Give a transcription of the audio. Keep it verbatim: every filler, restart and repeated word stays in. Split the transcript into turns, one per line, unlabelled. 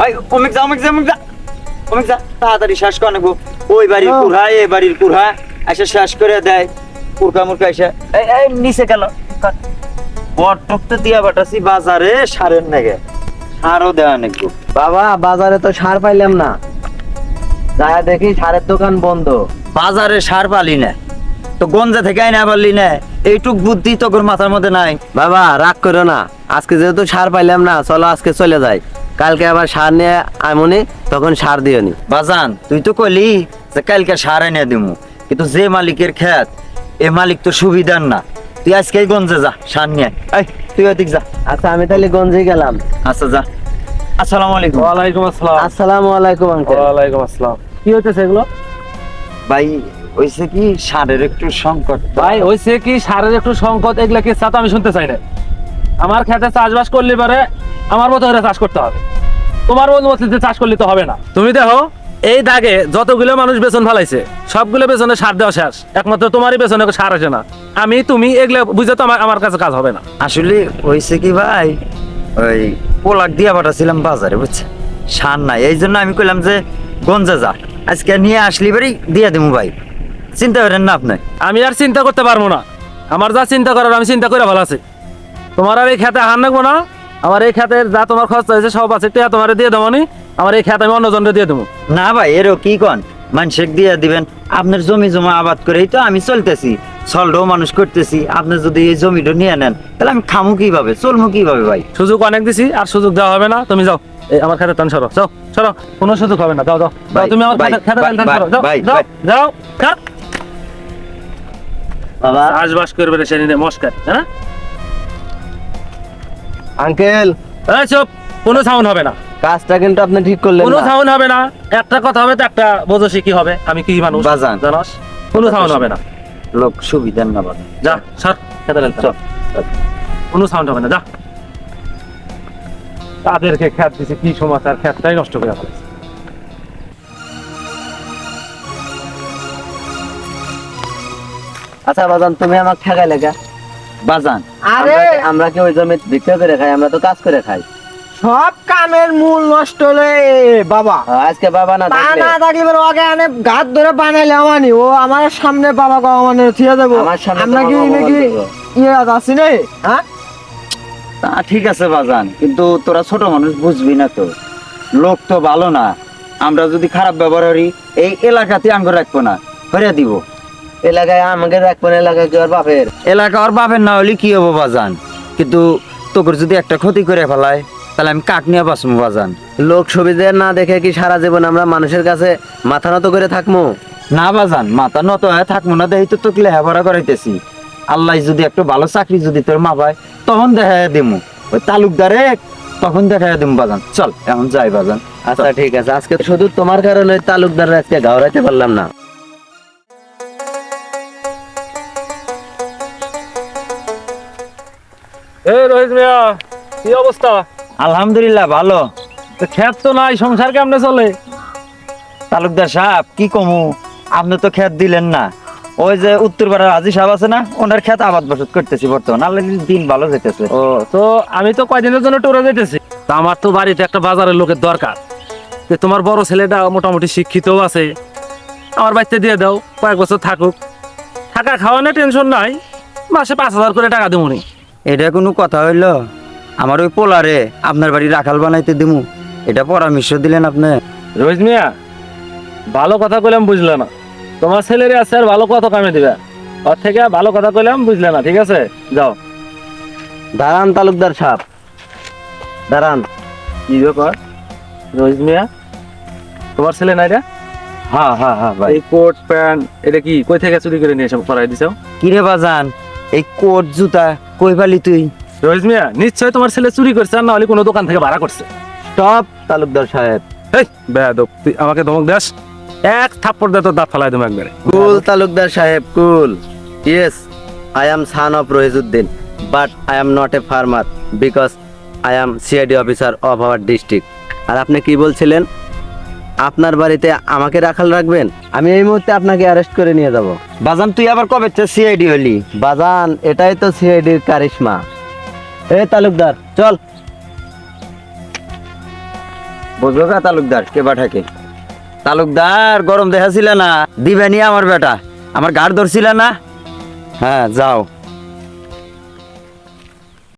ভাই অমিক যা অমিক যা অমিক যা অমিক যা তাড়াতাড়ি শেষ করে নেবো। ওই বাড়ির কুড়া এই বাড়ির কুড়া এসে শেষ করে দেয়। কুরকা মুরকা এসে এই এই নিচে গেল। বটক তো দিয়া বাটাছি বাজারে সারের নেগে সারও দেওয়া নেগো।
বাবা বাজারে তো সার পাইলাম না, যা দেখি সারের দোকান বন্ধ।
বাজারে সার পালি না তো গঞ্জা থেকে আইনা পারলি না, এইটুক বুদ্ধি তোর মাথার মধ্যে নাই?
বাবা রাগ করো না, আজকে যেহেতু সার পাইলাম না, চলো আজকে চলে যাই, কালকে আবার সার নিয়ে আমনি, তখন সার দিও নি।
বাজান তুই তো কইলি যে কালকে সার এনে দিমু, কিন্তু যে মালিকের ক্ষেত এ মালিক তো সুবিধার না। তুই আজকে গঞ্জে যা সার নিয়ে আয়। তুই ওদিক যা।
আচ্ছা আমি তাহলে গঞ্জে গেলাম।
আচ্ছা যা। আসসালামু আলাইকুম।
ওয়ালাইকুম আসসালাম।
আসসালামু আলাইকুম আঙ্কেল।
ওয়ালাইকুম আসসালাম। কি হইতেছে এগুলো?
ভাই হইছে কি সারের একটু সংকট।
ভাই হইছে কি সারের একটু সংকট, এগুলা কি তা তো আমি শুনতে চাই না। আমার খেতে চাষবাস করলে পারে আমার মতো করে চাষ করতে হবে, তোমার মতো মতো চাষ করলে তো হবে না। তুমি দেখো এই দাগে যতগুলো মানুষ বেতন ফেলাইছে সবগুলো বেতনে সার দেওয়া শেষ, একমাত্র তোমারই বেতনে সার আসে না। আমি তুমি এগুলো বুঝে তো আমার আমার কাছে কাজ হবে না।
আসলে হইছে কি ভাই, ওই পোলাক দিয়া পাঠাছিলাম বাজারে, বুঝছে সার নাই, এই জন্য আমি কইলাম যে গঞ্জা যা আজকে নিয়ে আসলি বাড়ি দিয়া দিমু। ভাই চিন্তা করেন না আপনি।
আমি আর চিন্তা করতে পারবো না, আমার যা চিন্তা করার আমি চিন্তা করে ভালো আছি। তোমার আর এই খেতে হার রাখবো না, আমার এই খেতের যা তোমার খরচ হয়েছে সব আছে টিয়া তোমার দিয়ে দেবো নি, আমার এই খেত আমি অন্য জনরে দিয়ে দেবো।
না ভাই এরও কি কন, মানুষের দিয়ে দিবেন? আপনার জমি জমা আবাদ করেই তো আমি চলতেছি, সলডও মানুষ করতেছি। আপনি যদি এই জমিটা নিয়ে নেন তাহলে আমি খামু কিভাবে, চলমু কিভাবে? ভাই
সুযোগ অনেক দিছি, আর সুযোগ দেওয়া হবে না। তুমি যাও, এই আমার খেতে টান সরো, যাও সরো, কোনো সুযোগ হবে না। যাও যাও যাও, তুমি আমার খেতে খেতে টান সরো, যাও যাও যাও। খাত
বাবা
চাষবাস করবে রে সেদিনে মস্কার, হ্যাঁ
আঙ্কেল,
এই চুপ, কোনো সাউন্ড হবে না,
কাজটা কিন্তু আপনি ঠিক করলেন
কোনো
না।
সাউন্ড হবে না। একটা কথা হবে তো একটা বোঝো কি হবে, আমি কি মানুষ
বাজান।
জানাস, কোনো সাউন্ড হবে না।
লোক সুবিধার না বাবা।
যা সর খেতে টান সরো, কোনো সাউন্ড হবে না, যা। তাদেরকে খ্যাত দিছে কি সমাচার, খ্যাতটাই নষ্ট করে ফেলেছে।
আচ্ছা বাজান, তুমি আমাকে ঠেকাই লেখা।
বাজান
আরে
আমরা কি ওই জমি বিক্রি করে খাই? আমরা তো কাজ করে খাই।
সব কামের মূল নষ্ট হলে বাবা
আজকে বাবা না
তা
থাকলে
না থাকলে এবার ওকে আনে গাত ধরে বানাইলে আমানি ও আমার সামনে বাবা গো আমানে থিয়ে দেবো।
আমার সামনে
আমরা কি
তোমার বাবা
নাকি
বলবো।
ইয়ে আছি নে? হ্যাঁ
তা ঠিক আছে বাজান, কিন্তু তোরা ছোট মানুষ বুঝবি না তো, লোক তো ভালো না। আমরা যদি খারাপ ব্যবহার করি এই এলাকাতে আঙ্গ রাখবো না, ফেরে দিব।
এলাকায় আমাকে রাখবেন, এলাকায় কি ওর বাপের?
এলাকা ওর বাপের না হলে কি হবো বাজান, কিন্তু তোর যদি একটা ক্ষতি করে ফেলায় তাহলে আমি কাক নিয়ে বাঁচবো বাজান।
লোক সুবিধা না দেখে কি সারা জীবন আমরা মানুষের কাছে মাথা নত করে থাকবো?
না বাজান, মাথা নত হয়ে থাকবো না, দেখি তো তোকে লেখাপড়া করাইতেছি। আল্লাহ যদি একটু ভালো চাকরি যদি তোর মা পায় তখন দেখা দিমু, ওই তালুকদারে তখন দেখা দিমু বাজান। চল এখন যাই বাজান।
আচ্ছা ঠিক আছে, আজকে শুধু তোমার কারণে তালুকদার আজকে ঘাওড়াইতে পারলাম না।
এই রোহিত মিয়া, কি অবস্থা?
আলহামদুলিল্লাহ ভালো।
তো খেত তো নাই, সংসার কেমনে চলে?
তালুকদার সাহেব কি কমু, আপনি তো খেত দিলেন না। ওই যে উত্তর পাড়ার আজি সাহেব আছে না, ওনার খেত আবাদ বসত করতেছি বর্তমান। আল্লাহ দিন ভালো যেতেছে।
ও তো আমি তো কয়দিনের জন্য টুরে যেতেছি, তা আমার তো বাড়িতে একটা বাজারের লোকের দরকার। যে তোমার বড় ছেলেটা মোটামুটি শিক্ষিতও আছে, আমার বাড়িতে দিয়ে দাও, কয়েক বছর থাকুক, থাকা খাওয়ানো টেনশন নাই, মাসে পাঁচ হাজার করে টাকা দেবো নি।
এটা কোনো কথা হইলো? আমার ওই পোলারে আপনার বাড়ি রাখাল বানাইতে দিমু, এটা পরামর্শ দিলেন আপনি?
রোহিত মিয়া, ভালো কথা কইলাম বুঝলে না, তোমার ছেলেরই আছে আর ভালো কথা কামে দিবে, ওর থেকে ভালো কথা কইলাম বুঝলে না, ঠিক আছে যাও।
দাঁড়ান তালুকদার সাহেব, দাঁড়ান।
কি ব্যাপার রোহিত মিয়া, তোমার ছেলে নাই রে?
হ্যাঁ হ্যাঁ হ্যাঁ ভাই।
এই কোট প্যান্ট এটা কি কই থেকে চুরি করে নিয়ে এসে পরাই দিছো?
কিরে বাজান, এই কোট জুতা কই পালি তুই?
রোহিত মিয়া, নিশ্চয় তোমার ছেলে চুরি করছে, আর না হলে কোনো দোকান থেকে ভাড়া করছে।
স্টপ তালুকদার সাহেব।
এই বেয়াদব, তুই আমাকে ধমক দেস, এক থাপ্পড় দে তোর দাঁত ফালাই দেবো একবারে।
কুল তালুকদার সাহেব, cool. Yes, I am son of Rahijuddin, but I am not a farmer because I am CID officer of our district. আর আপনি কি বলছিলেন? আপনার বাড়িতে আমাকে রাখাল রাখবেন? আমি এই মুহূর্তে আপনাকে অ্যারেস্ট করে নিয়ে যাব।
বাজান তুই আবার কবে সিআইডি হলি?
বাজান, এটাই তো সিআইডির কারিশমা। এ তালুকদার চল।
বুঝলো কা তালুকদার কে বাঠাকে? তালুকদার গরম দেখাছিল না, দিবেনি আমার বেটা, আমার গাড় ধরছিল না। হ্যাঁ যাও।